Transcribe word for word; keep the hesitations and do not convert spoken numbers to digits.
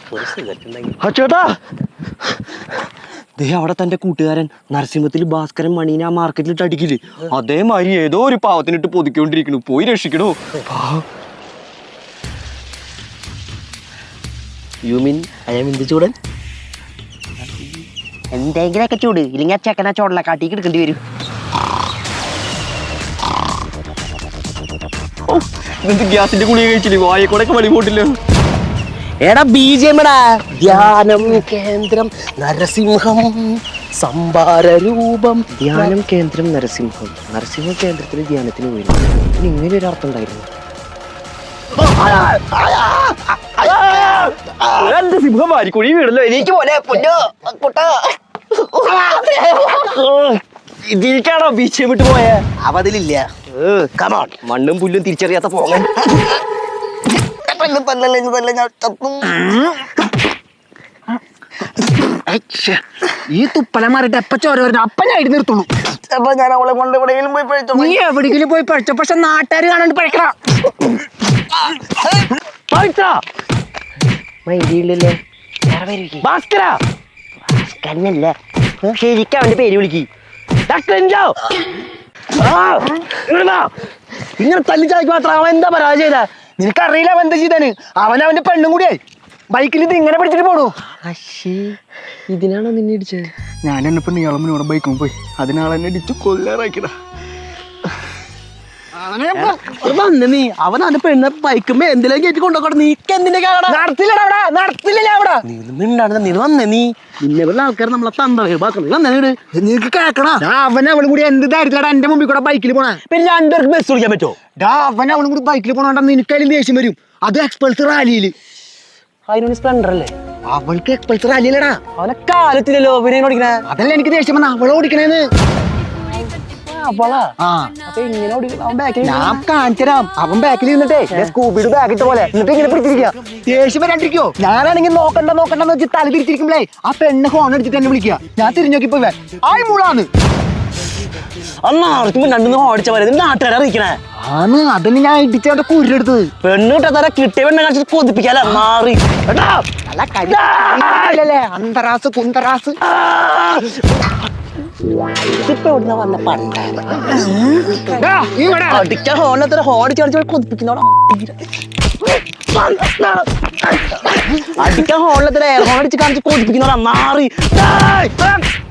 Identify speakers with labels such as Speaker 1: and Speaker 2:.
Speaker 1: ചേട്ടാ ദേ അവിടെ തന്റെ കൂട്ടുകാരൻ നരസിംഹത്തിൽ ഭാസ്കരൻ മണീനെ ആ മാർക്കറ്റിലിട്ട് അടിക്കില്ലേ, അതേമാതിരി ഏതോ ഒരു പാവത്തിനിട്ട് പൊതിക്കൊണ്ടിരിക്കണു. പോയി രക്ഷിക്കണോ. യു മീൻ ഐ ആം എന്ത് ചൂടൻ? എന്തെങ്കിലൊക്കെ ചൂട്, ഇല്ലെങ്കിൽ ആ ചെക്കനാ ചോടല കാട്ടിക്ക് എടുക്കേണ്ടി വരും. ഗ്യാസിന്റെ ഗുളിക കഴിച്ചില്ലേ, വായക്കൂടെ വളി പോട്ടില്ല. എടാ ബീജെടാ, ധ്യാനം കേന്ദ്രം നരസിംഹം സംഭാര രൂപം. ധ്യാനം കേന്ദ്രം നരസിംഹം, നരസിംഹ കേന്ദ്രത്തിന് ധ്യാനത്തിന് പോയി. ഇനി ഇങ്ങനെ ഒരു അർത്ഥം ഉണ്ടായിരുന്നു. എന്റെ സിംഹം വാരിക്കുഴി വീടല്ലോ, എനിക്ക് പോലെ ഇതിലേക്കാണോ ബീച്ച് വിട്ട് പോയ? അവതിലില്ല. കമോൺ, മണ്ണും പുല്ലും തിരിച്ചറിയാത്ത പോകാൻ. ഈ തുപ്പല മാറിട്ട് എപ്പ ചോര വരുന്ന അപ്പ ഞാൻ ഇടി നിർത്തുള്ളൂ. ഞാൻ അവളെ കൊണ്ട് എവിടെയെങ്കിലും പോയി പഴിച്ചോ. നീ എവിടെയെങ്കിലും പോയി പഴിച്ചോ, പക്ഷെ നാട്ടുകാർ കാണാണ്ട് പഴിക്കണ മൈൻഡില്ലേ ഭാസ്കര. ഭാസ്കരനല്ല, ശരിക്കും അവന്റെ പേര് വിളിക്ക്. ഇങ്ങനെ തല്ലിച്ചാക്കി മാത്രം അവൻ എന്താ പരാജയത? നിനക്കറിയില്ല അവൻ എന്താ ചെയ്താന്? അവൻ അവന്റെ പെണ്ണും കൂടിയായി ബൈക്കിൽ ഇത് ഇങ്ങനെ പിടിച്ചിട്ട് പോണു. ഇതിനാണോ നിന്നെ ഇടിച്ചത്? ഞാൻ എന്നെ പെണ്ണ് ഇയാളും ഇവിടെ ബൈക്കും പോയി, അതിനാളെന്നെ ഇടിച്ചു കൊല്ലാറാക്കിടാ. നീ അവൻ അവന്റെ പെണ്ണ് ബൈക്കുമ്പോ എന്തിലേക്ക് കയറ്റി കൊണ്ടുപോകണം. നീക്ക് എന്തിന്റെ നടത്തില്ലടാ അവിടെ, നടത്തില്ല അവിടെ. നീ മിണ്ടാണ്, നീ വന്നേ. നീ നിന്നെ ആൾക്കാർ നമ്മളെ തന്തീട് നിനക്ക് കേക്കണ. അവൻ അവളും കൂടി എന്ത് തരത്തിലടാ എന്റെ മുമ്പിൽ കൂടെ ബൈക്കിൽ പോണേ. പിന്നെ രണ്ടുപേർക്ക് ബസ് വിളിക്കാൻ പറ്റുമോ? അവൻ അവളും കൂടി ബൈക്കിൽ പോണോണ്ടാ നിനക്കതിലും ദേഷ്യം വരും. അത് എക്സ്പൾസ് റാലിയില്. അതിനൊരു സ്പ്ലെൻഡർ അല്ലേ? അവൾക്ക് എക്സ്പൾസ് റാലിയിലടാ. അവനെ കാലത്തിലല്ലോ ഓടിക്കണേ. അതല്ല എനിക്ക് ദേഷ്യം വന്ന അവളെ ഓടിക്കണേന്ന്. ഞാൻ കാണിച്ചരാം. അവൻ ബാക്കിൽ ഇരുന്നിട്ടേ സ്കൂബിയുടെ ബാഗിട്ട പോലെ എന്നിട്ട് ഇങ്ങനെ പിടിച്ചിരിക്കുക. ദേഷ്യം വരാണ്ടിരിക്കോ? ഞാനാണെങ്കിൽ നോക്കണ്ട നോക്കണ്ടെന്ന് വെച്ച് തല തിരിച്ചിരിക്കുമ്പോഴേ ആ പെണ്ണ് ഫോൺ അടിച്ചിട്ട് എന്നെ വിളിക്കുക. ഞാൻ തിരിഞ്ഞു നോക്കിപ്പോ ആയി മൂളാന്ന്. അന്നാർക്കും രണ്ടു ഓടിച്ച പോലെ നാട്ടുകാരെ അറിയിക്കണേ ആണ്. അതിന് ഞാൻ ഇടിച്ചവന്റെ കുരെടുത്തത്. പെണ്ണ് കിട്ടാത്ത കിട്ടിയ പെണ്ണെ കാണിച്ചിട്ട് കൊതിപ്പിക്കാല്ലേ മാറി. അന്തറാസ് കുന്തറാസ് ഇപ്പൊ ഇവിടുന്ന് വന്ന പണ്ടാണ്. അടിക്കാൻ ഹോണത്ര ഹോടിച്ച് കളിച്ച് കൊതിപ്പിക്കുന്നോടാ. അടിക്കാൻ ഹോണിലത്ര എയർ ഹോൺ അടിച്ച് കാണിച്ച് കൊതിപ്പിക്കുന്നോടാ മാറി.